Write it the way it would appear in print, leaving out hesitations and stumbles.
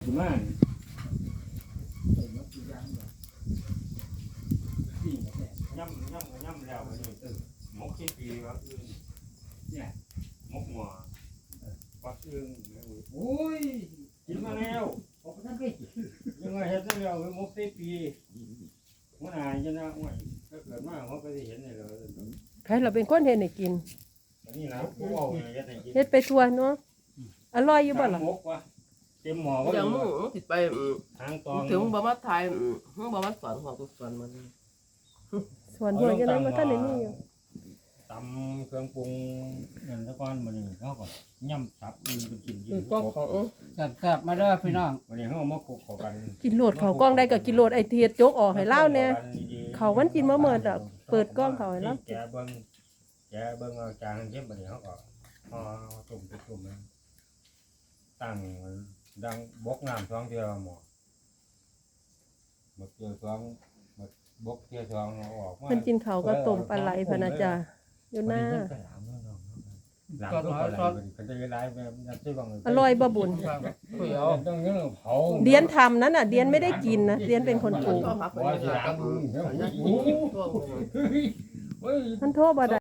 สิมาย่ำแล้วนี่มกที่ปีว่าอื่นเนี่ยมกหัวปักอึ่งโอ้ยกินมาแล้วยังไงเห็นแล้วมกที่ปีมันหายจะน่าอ้วนถ้าเกิดมาเขาก็จะเห็นเลยใครเราเป็นคนเฮ็ดให้กินนี่นะกูเอาเนี่ยจะกินเฮ็ดไปทั่วเนาะอร่อยอยู่บ่ล่ะมกวะเต็มหม้อก็อย่างมึงติดไปทางตองถึงบ่มาถ่ายมึงบ่มาสอนของกูสอนมันส่วนหัวจังนั้นบ่ทันได้มีอยู่ตำเครื่องปรุงเงินตะก้อนมันนี่เขาก็ย่ำสับอื่นเป็นกินกินก็ของแซ่บๆมาเด้อพี่น้องวันนี้เขามาคุกเข้ากันกินโลดเขากล้องได้ก็กินโลดไอ้เทียดโจกออกให้เล่าเนี่ยเขามันกินมาเมิดดอกเปิดกล้องเขาให้เล่าแกเบิ้งเอาจานเข้มวันนี้เขาก็พอตุ่มมันตั้งดังบกน้ำท้องเดียวหมอหมดเดียวท้องหมดบกเดียวท้องเอาออกมามันกินเขาก็ต้มปลาไหลพะนะจ๊ะอยู่หน้าหลังก็ปลาไหลมันจะร้ายแบบนับซื้อบังอร่อยบ่บุญต้องเนื้อเผาเดียนทำนั้นน่ะเดียนไม่ได้กินนะเดียนเป็นคนปลูกบ่สิหลังมันโทษบ่ได้